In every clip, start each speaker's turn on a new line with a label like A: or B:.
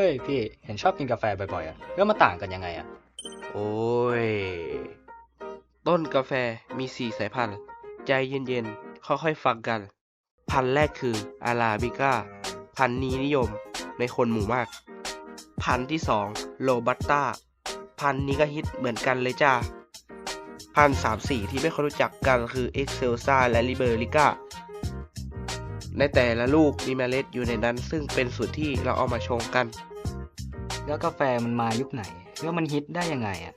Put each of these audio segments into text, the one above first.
A: ฮ้ยพี่เห็นชอบกินกาแฟบ่อยๆอ่ะแล้วมาต่างกันยังไงอ่ะ
B: โอ้ย ต้นกาแฟมี4 สายพันธุ์ ใจเย็นๆ ค่อยๆ ฟังกัน พันธุ์แรกคืออาราบิก้า พันธุ์นี้นิยมในคนหมู่มาก พันธุ์ที่2โรบัสต้า พันธุ์นี้ก็ฮิตเหมือนกันเลยจ้า พันธุ์3-4ที่ไม่ค่อยรู้จักกันคือเอ็กเซลซ่าและลิเบอริก้า ในแต่ละลูกมีเมล็ดอยู่ในนั้นซึ่งเป็นสูตรที่เราเอามาชงกัน
A: แล้วกาแฟมันมายุคไหนแล้วมันฮิตได้ยังไงอ่ะ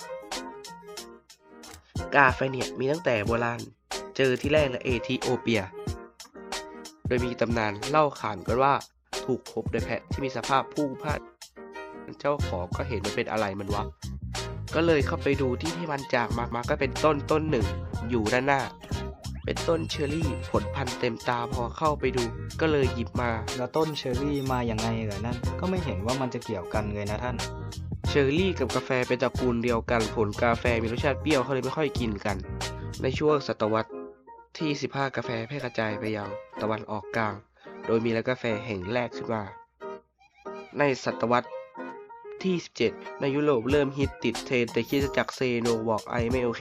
B: กาแฟเนี่ยมีตั้งแต่โบราณ เจอที่แรกในเอธิโอเปีย โดยมีตำนานเล่าขานกันว่าถูกพบโดยแพะที่มีสภาพผู้พลาดเจ้าของก็เห็นมันเป็นอะไรมันวะ ก็เลยเข้าไปดูที่มันจากมาก็เป็นต้นหนึ่งอยู่ด้านหน้า เป็นต้นเชอร์รี่ผลพันธุ์เต็มตาพอเข้าไปดู ก็เลยหยิบมา
A: แล้วต้นเชอร์รี่มาอย่างไงเหรอนั่นก็ไม่เห็นว่ามันจะเกี่ยวกันเลยนะท่าน
B: เชอร์รี่กับกาแฟเป็นตระกูลเดียวกัน ผลกาแฟมีรสชาติเปรี้ยวเขาเลยไม่ค่อยกินกัน ในช่วงศตวรรษที่ 15 กาแฟแพร่กระจายไปยังตะวันออกกลาง โดยมีร้านกาแฟแห่งแรกขึ้นมา ในศตวรรษที่ 17 ในยุโรปเริ่มฮิตติดเทรนด์แต่คริสตจักรเซโนบอกไอไม่โอเค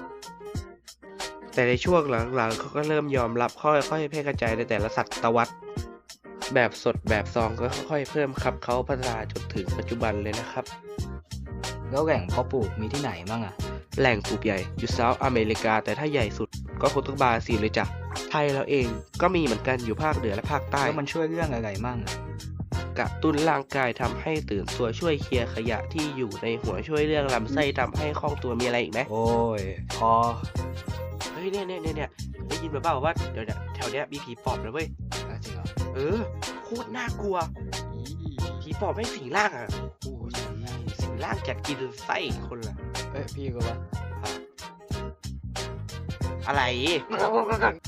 B: แต่ในช่วงหลังๆเขาก็เริ่มยอมรับค่อยๆแพร่กระจายในแต่ละศตวรรษ แบบสดแบบซองก็ค่อยๆเพิ่มครับเขาพัฒนาจนถึงปัจจุบันเลยนะครับ
A: แล้วแหล่งเพาะปลูกมีที่ไหนบ้างอ่ะ
B: แหล่งปลูกใหญ่อยู่เซาท์อเมริกาแต่ถ้าใหญ่สุดก็คงต้องบราซิลเลยจ้ะ ไทยเราเองก็มีเหมือนกันอยู่ภาคเหนือและภาคใต้
A: แล้วมันช่วยเรื่องอะไรมั่งอะ
B: กระตุ้นร่างกายทำให้ตื่นตัวช่วยเคลียร์ขยะที่อยู่ในหัวช่วยเรื่องลำไส้ทำให้คล่องตัวมีอะไรอีกไหม
A: โอ้ยพอ
B: เฮ้ยเนี่ยได้ยินมาเปล่าว่าเดี๋ยวเนี่ยแถวเนี้ยมีผีปอบนะเว้ย
A: จริงเหรอ
B: เออโคตรน่ากลัวผีปอบไม่สิงร่างอ่ะ
A: โอ้ย
B: สิงร่างอยากกินไส้คนละ
A: เอ้ยพี่ก็ว่า
B: อะไร